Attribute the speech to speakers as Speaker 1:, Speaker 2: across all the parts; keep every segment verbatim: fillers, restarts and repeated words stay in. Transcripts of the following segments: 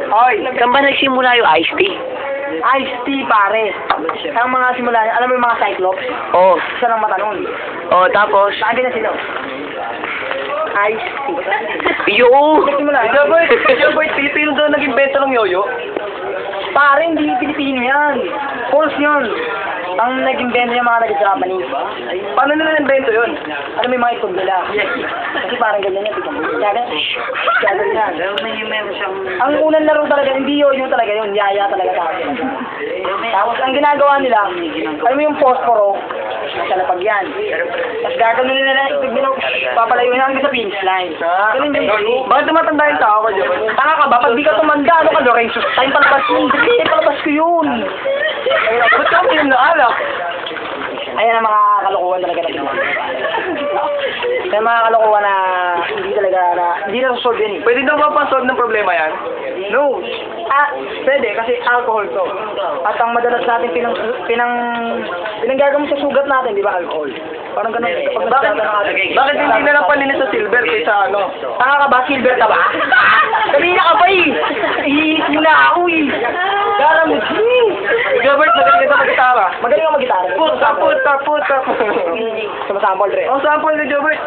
Speaker 1: Oy,
Speaker 2: Saan ba nagsimula yung iced tea?
Speaker 1: iced tea, pare. Ang mga simula, alam mo yung mga Cyclops?
Speaker 2: Oh.
Speaker 1: Isa ng mata nun.
Speaker 2: Oh, tapos?
Speaker 1: Sabi na sila. Iced tea.
Speaker 2: Yo!
Speaker 1: Nagsimula.
Speaker 3: Joboy, Joboy, Pilipino daw nag-invento ng yoyo.
Speaker 1: Pare, hindi Pilipino yan. False yun. Ang nag-invento yung mga nag-Japanese.
Speaker 3: Paano nila invento yun?
Speaker 1: Alam mo yung mga itlog nila. Kasi parang ganyan yan. Kaya kaya yan. Ang unang laro talaga, hindi yun yung talaga yun. Yaya talaga tayo. Tapos ang ginagawa nila, alam mo yung posporo, nasa lapag yan. Tapos gagawin nila na itlog nila, papalayo na hanggang sa finish line. Ganun yung
Speaker 3: Bakit tumatanda yung tao ko, Joboy?
Speaker 1: tanga ka ba? Pag di ka tumanda, ano ka, Lorenzo? Time palabas yun. Hindi, palabas ko yun.
Speaker 3: Ba't ka uminom na alak?
Speaker 1: Ayan ang mga kalokohan talaga na ginawa. Kaya mga kalokohan na hindi talaga na, hindi na solve yan eh.
Speaker 3: Pwede daw ba pa-solve ng problema yan?
Speaker 1: No. Ah, pwede kasi alcohol to. At ang madalas natin pinang pinang pinanggagamot sa sugat natin, di ba, alcohol? Parang ganun. Kapag
Speaker 3: Bakit,
Speaker 1: nasasada ng ating-
Speaker 3: bakit hindi na lang palinis sa silver kaysa ano?
Speaker 1: Tanga ka ba? Silver ka ba? Kanina ka ba eh? Ihiis mo na ako eh. Gara mo.
Speaker 3: Gilbert, magaling ka sa mag-gitara.
Speaker 1: Magaling ka mag-gitara.
Speaker 3: Puta, puta, puta.
Speaker 1: Sumasample, Dre.
Speaker 3: Ang sample ni Gilbert.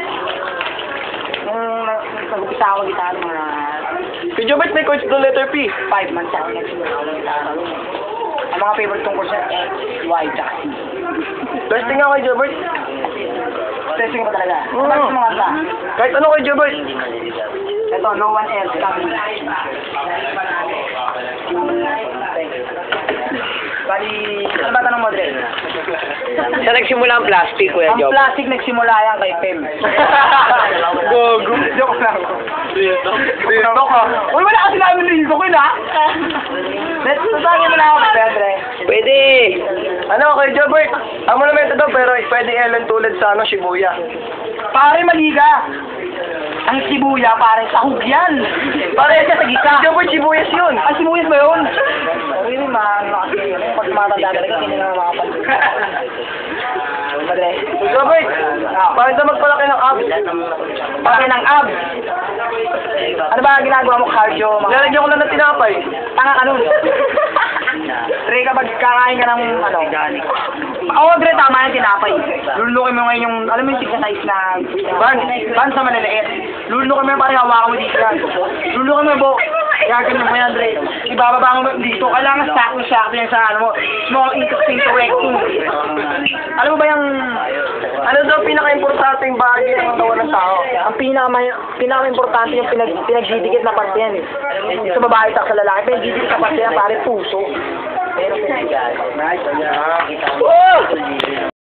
Speaker 1: Nung nag-upisa ako mag-gitara, mga
Speaker 3: Si Gilbert may coach doon letter P.
Speaker 1: five months ako nagsimula ako mag-gitara. Ang mga favorite kong course X, Y, tsaka C.
Speaker 3: Testing ako kay Gilbert.
Speaker 1: Testing ko talaga.
Speaker 3: Oo.
Speaker 1: Tapos mga kanta.
Speaker 3: Kahit ano kay Gilbert.
Speaker 1: Ito, no one else coming. Bali, ano ba tanong mo, Dre?
Speaker 2: Saan nagsimula ang plastic, Kuya
Speaker 1: Ang
Speaker 2: Job?
Speaker 1: plastic nagsimula yan kay Pem.
Speaker 3: Gogo. Joke lang. Dito ka.
Speaker 1: Uy, wala kasi namin rin ko na. Let's tutangin mo na ako, Dre.
Speaker 2: Pwede!
Speaker 3: Ano kay Gilbert? Ang monumento daw pero pwede Ellen tulad sa ano, Shibuya.
Speaker 1: Pare, maliga. Ang sibuya, pare, sahog yan. Pare, siya sa gisa.
Speaker 3: Gilbert, Shibuyas yun.
Speaker 1: Ang sibuyas ba yun? Really, ma, ano kasi, pag tumatanda talaga, hindi na makapansin. Madre.
Speaker 3: Gilbert, bakit na magpalaki ng abs?
Speaker 1: Pake ng abs. Ano ba ang ginagawa mo, cardio? Mga...
Speaker 3: Lalagyan ko lang ng tinapay.
Speaker 1: Tanga ka nun. Dre, kapag kakain ka ng, ano, oo, Dre, tama yung tinapay. Lulukin mo ngayon yung, alam mo yung size na ban, ban sa maliliit. Lulukin mo yung parang hawakan mo dito yan. Lulukin mo yung buhok. Gagawin mo yan, Dre. Ibababa mo dito. Kailangan sakto-sakto yan sa, ano mo, small intestine to rectum. Alam mo ba yung,
Speaker 3: Ano daw pinaka-importanteng bahagi ng katawan ng tao?
Speaker 1: ang pinaka pinaka-importante yung pinag pinagdidikit na parte yan eh. Sa babae at sa lalaki, pinagdidikit na parte yan, pare, puso. Pero,
Speaker 3: Oh!